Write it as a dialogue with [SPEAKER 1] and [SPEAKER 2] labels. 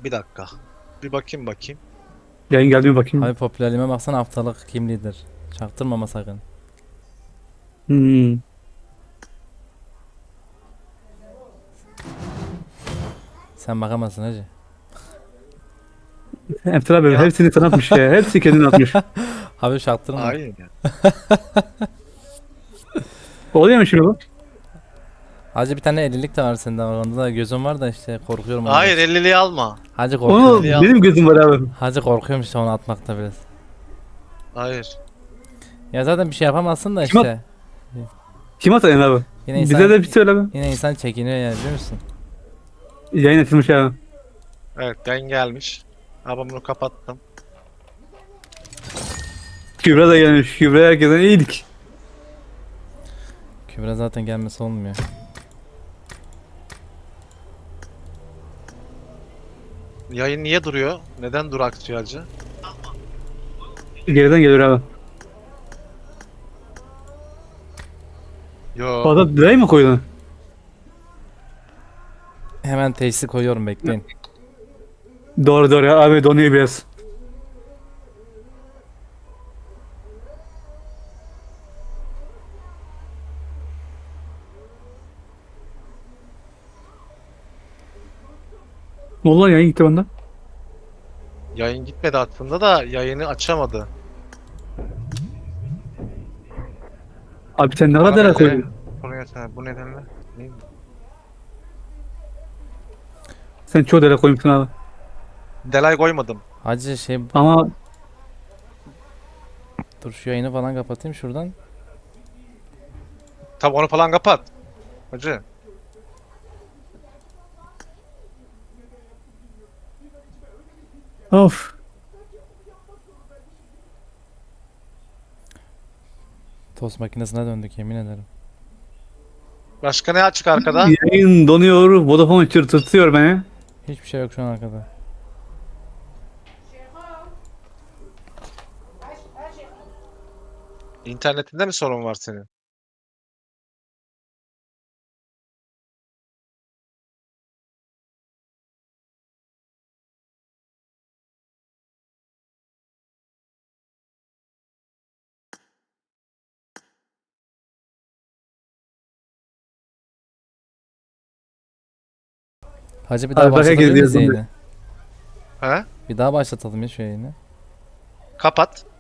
[SPEAKER 1] Bir dakika. Bir bakayım.
[SPEAKER 2] Yayın geldi mi bakayım.
[SPEAKER 3] Abi popülerliğime baksana, haftalık kim lider. Çaktırmama sakın.
[SPEAKER 2] Hmm.
[SPEAKER 3] Sen bakamazsın hacı.
[SPEAKER 2] Emtir abi
[SPEAKER 1] Ya.
[SPEAKER 2] hepsini sana atmış ya. Hepsi kendini atmış.
[SPEAKER 3] Abi çaktırma.
[SPEAKER 1] Aynen.
[SPEAKER 2] Oluyor mu şimdi bu?
[SPEAKER 3] Hacı bir tane 50'lik de var sende. Onda da gözüm var da işte korkuyorum. onu.
[SPEAKER 1] Hayır 50'liği alma.
[SPEAKER 3] Hacı
[SPEAKER 2] Onu
[SPEAKER 3] korkuyorum.
[SPEAKER 1] Ya.
[SPEAKER 2] benim gözüm var abi.
[SPEAKER 3] Hacı korkuyorum işte onu atmakta biraz.
[SPEAKER 1] Hayır.
[SPEAKER 3] Ya zaten bir şey yapamazsın da
[SPEAKER 2] Kim
[SPEAKER 3] işte.
[SPEAKER 2] Kim atayın abi?
[SPEAKER 3] Yine
[SPEAKER 2] Bize
[SPEAKER 3] insan,
[SPEAKER 2] de bir söyle abi.
[SPEAKER 3] yine insan çekiniyor yani, biliyor musun?
[SPEAKER 2] Yayın açılmış abi.
[SPEAKER 1] Evet yayın gelmiş. Ama bunu kapattım.
[SPEAKER 2] Kübra da gelmiş. Kübra herkesten iyiydik.
[SPEAKER 3] Kübra zaten gelmesi olmuyor.
[SPEAKER 1] Yayın niye duruyor? Neden durak tutuyor hacı?
[SPEAKER 2] Geriden geliyor abi.
[SPEAKER 1] Yo.
[SPEAKER 2] Fazla delay mi koydun?
[SPEAKER 3] Hemen teşhisi koyuyorum, bekleyin.
[SPEAKER 2] Doğru ya. Abi donuyor biraz. Ne oldu lan yayın gitti benden?
[SPEAKER 1] Yayın gitmedi aslında da yayını açamadı.
[SPEAKER 2] Abi sen ne kadar
[SPEAKER 1] Bana
[SPEAKER 2] delay
[SPEAKER 1] böyle
[SPEAKER 2] koydun?
[SPEAKER 1] bu nedenle. Ne?
[SPEAKER 2] Sen çok delay koymuşsun abi.
[SPEAKER 1] Delay koymadım.
[SPEAKER 3] Hacı şey,
[SPEAKER 2] Ama
[SPEAKER 3] dur şu yayını falan kapatayım şuradan.
[SPEAKER 1] Tabi onu falan kapat. Hacı.
[SPEAKER 2] of.
[SPEAKER 3] Tost makinesine döndük, yemin ederim.
[SPEAKER 1] Başka ne açık arkada?
[SPEAKER 2] Yayın donuyor. Vodafone çırtırtıyor beni.
[SPEAKER 3] Hiçbir şey yok şu an arkada.
[SPEAKER 1] İnternetinde mi sorun var senin?
[SPEAKER 3] Hacı bir daha
[SPEAKER 2] Abi bak herkes
[SPEAKER 3] başlatabilir miyiz
[SPEAKER 2] diyor
[SPEAKER 3] yayını?
[SPEAKER 1] He?
[SPEAKER 3] Bir daha başlatalım ya şu yayını.
[SPEAKER 1] Kapat.